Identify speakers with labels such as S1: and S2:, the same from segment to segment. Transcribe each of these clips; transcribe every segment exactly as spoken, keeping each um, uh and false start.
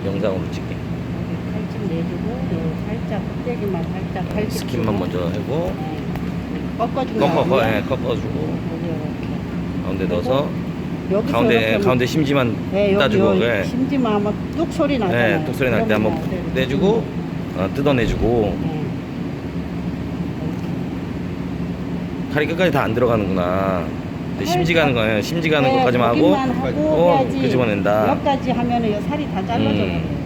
S1: 영상으로 찍게.
S2: 여기 칼집 내주고 요 살짝 껍데기만 살짝 칼집
S1: 스킨만
S2: 주고.
S1: 먼저 하고
S2: 네. 꺾어준
S1: 꺾어, 꺾어,
S2: 다음에
S1: 예, 꺾어주고
S2: 여기 이렇게
S1: 가운데 넣어서
S2: 여기서
S1: 가운데
S2: 이렇게
S1: 예, 가운데 심지만
S2: 네, 여기
S1: 따주고
S2: 요
S1: 예.
S2: 심지만 하면 뚝 소리 나잖아요.
S1: 예, 뚝 소리 날 때 한번
S2: 그러면 네,
S1: 내주고 어, 뜯어내주고
S2: 네.
S1: 칼이 끝까지 다 안 들어가는구나. 근데 심지 가는 거예요. 심지 가는
S2: 네,
S1: 것까지만 하고
S2: 거기만 하고
S1: 어,
S2: 해야지.
S1: 끄집어낸다.
S2: 여기까지 하면은 요 살이 다 잘라져 버려요.
S1: 음.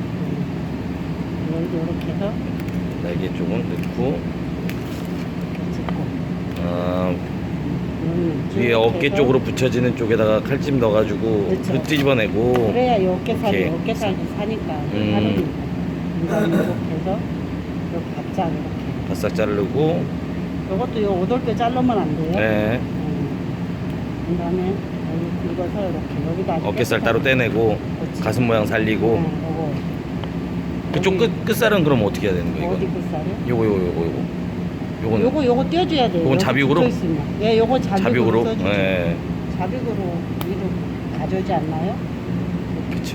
S2: 음. 이렇게 해서
S1: 날개 쪽은 넣고
S2: 이렇게 짚고
S1: 어,
S2: 음,
S1: 위에
S2: 이렇게
S1: 어깨
S2: 해서
S1: 쪽으로 붙여지는 쪽에다가 칼집 넣어가지고
S2: 그렇죠.
S1: 그 뒤집어내고
S2: 그래야 이 어깨살이
S1: 이렇게.
S2: 어깨살이 사니까
S1: 음.
S2: 다르니까 이거 이렇게 해서 이렇게 바짝 이렇게
S1: 바싹 자르고
S2: 이것도 요 오돌뼈 자르면 안 돼요.
S1: 네.
S2: 음. 그다음에 여기 긁어서 이렇게 여기다
S1: 어깨살 따로 떼내고
S2: 그렇지.
S1: 가슴 모양 살리고
S2: 네, 요거
S1: 그쪽
S2: 여기
S1: 끝, 끝살은 그럼 어떻게 해야 되는 거예요?
S2: 어디
S1: 이건?
S2: 끝살이요?
S1: 요거 요거 요거 요거 요거는
S2: 요거 요거 떼어줘야 돼요.
S1: 요건
S2: 여기
S1: 잡육으로?
S2: 붙어있으면. 예, 요거 잡육으로,
S1: 자벽으로?
S2: 써주죠.
S1: 예.
S2: 잡육으로 위로 가져오지 않나요?
S1: 그치.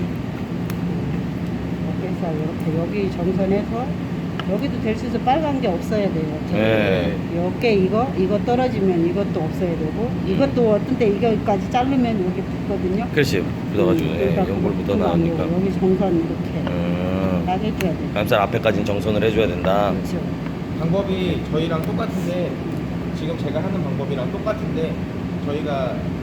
S2: 어깨살 이렇게 여기 정선해서 여기도 될 수 있어 빨간 게 없어야 돼요.
S1: 네.
S2: 이 어깨 이거 이거 떨어지면 이것도 없어야 되고 이것도 어떤 때 이거까지 자르면 여기 붙거든요.
S1: 그렇지. 묻어가지고 예,
S2: 그러니까
S1: 연골
S2: 그거
S1: 묻어 나오니까.
S2: 아니고 여기 정선 이렇게
S1: 음.
S2: 딱 해줘야 돼요.
S1: 가슴살 앞에까지는 정선을 해줘야 된다.
S2: 그렇죠.
S3: 방법이 저희랑 똑같은데 지금 제가 하는 방법이랑 똑같은데 저희가